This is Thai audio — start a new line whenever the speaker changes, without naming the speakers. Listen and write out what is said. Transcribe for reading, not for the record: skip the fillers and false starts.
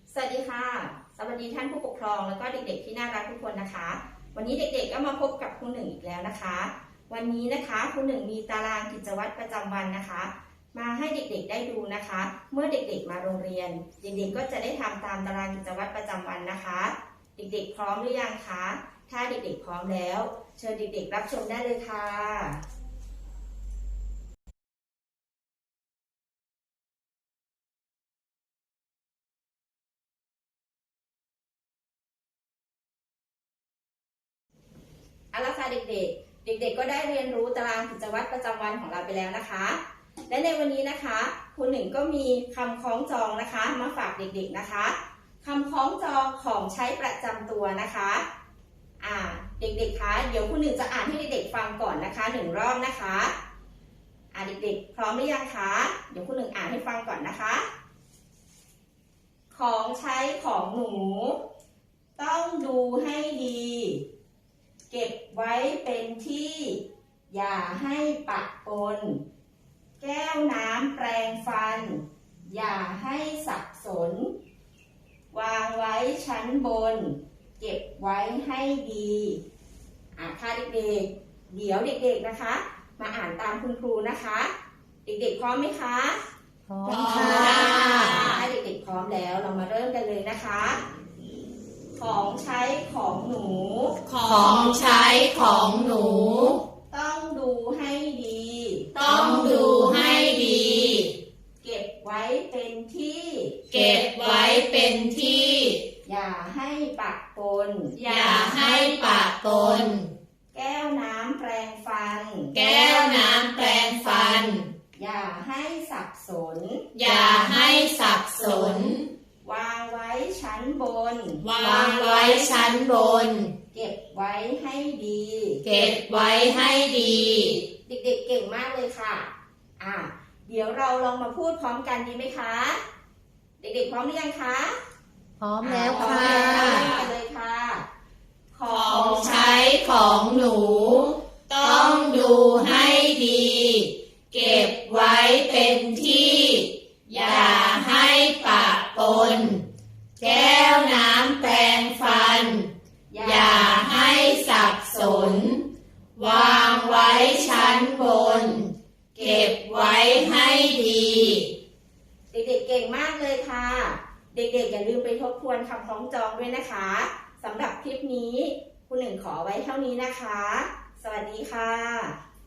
สวัสดีค่ะสวัสดีท่านผู้ปกครองแล้วก็เด็กๆที่น่ารักทุกคนนะคะวันนี้เด็กๆก็มาพบกับครูหนึ่งอีกแล้วนะคะวันนี้นะคะครูหนึ่งมีตารางกิจวัตรประจำวันนะคะมาให้เด็กๆได้ดูนะคะเมื่อเด็กๆมาโรงเรียนเด็กๆก็จะได้ทำตามตารางกิจวัตรประจำวันนะคะเด็กๆพร้อมหรือยังคะถ้าเด็กๆพร้อมแล้วเชิญเด็กๆรับชมได้เลยค่ะเอาละค่ะเด็กๆก็ได้เรียนรู้ตารางกิจวัตรประจำวันของเราไปแล้วนะคะและในวันนี้นะคะครูหนึ่งก็มีคำคล้องจองนะคะมาฝากเด็กๆนะคะคำคล้องจองของใช้ประจำตัวนะคะเด็กๆคะเดี๋ยวครูหนึ่งจะอ่านให้เด็กๆฟังก่อนนะคะ1 รอบนะคะเด็กๆพร้อมหรือยังคะเดี๋ยวครูหนึ่งอ่านให้ฟังก่อนนะคะของใช้ของหนูต้องดูให้ดีเก็บไว้เป็นที่อย่าให้ปะปนแก้วน้ำแปรงฟันอย่าให้สับสนวางไว้ชั้นบนเก็บไว้ให้ดีค่ะเด็กๆเดี๋ยวเด็กๆนะคะมาอ่านตามคุณครูนะคะเด็กๆพร้อมไหมคะ
พร้อมค่ะ
ถ้าเด็กๆพร้อมแล้วเรามาเริ่มกันเลยนะคะของใช้ของหนู
ของใช้ของหนู
ต้องดูให้ดี
ต้องดูให้ดี
เก็บไว้เป็นที่
เก็บไว้เป็นที่
อย่าให้ปะปน
อย่าให้ปะปน
แก้วน้ำแปรงฟัน
แก้วน้ำแปรงฟัน
อย่าให้สับสน
อย่าให้สับสน
วางไว้ชั้นบน
วางไว้ชั้นบน
เก็บไว้ให้ดี
เก็บไว้ให้ดี
เด็กๆเก่งมากเลยค่ะเดี๋ยวเราลองมาพูดพร้อมกันดีไหมคะเด็กๆพร้อมหรือยังคะ
พร้อมแล้วค่ะ
ไปเลยค่ะ
ของใช้ของหนูต้องดูให้ดีเก็บไว้เป็นที่อย่าให้ปะปนแก้วน้ำแปรงฟันอย่าให้สับสนวางไว้ชั้นบนเก็บไว้ให้ดี
เด็กๆเก่งมากเลยค่ะเด็กๆอย่าลืมไปทบทวนคำคล้องจองด้วยนะคะสำหรับคลิปนี้ครูหนึ่งขอไว้เท่านี้นะคะสวัสดีค่ะ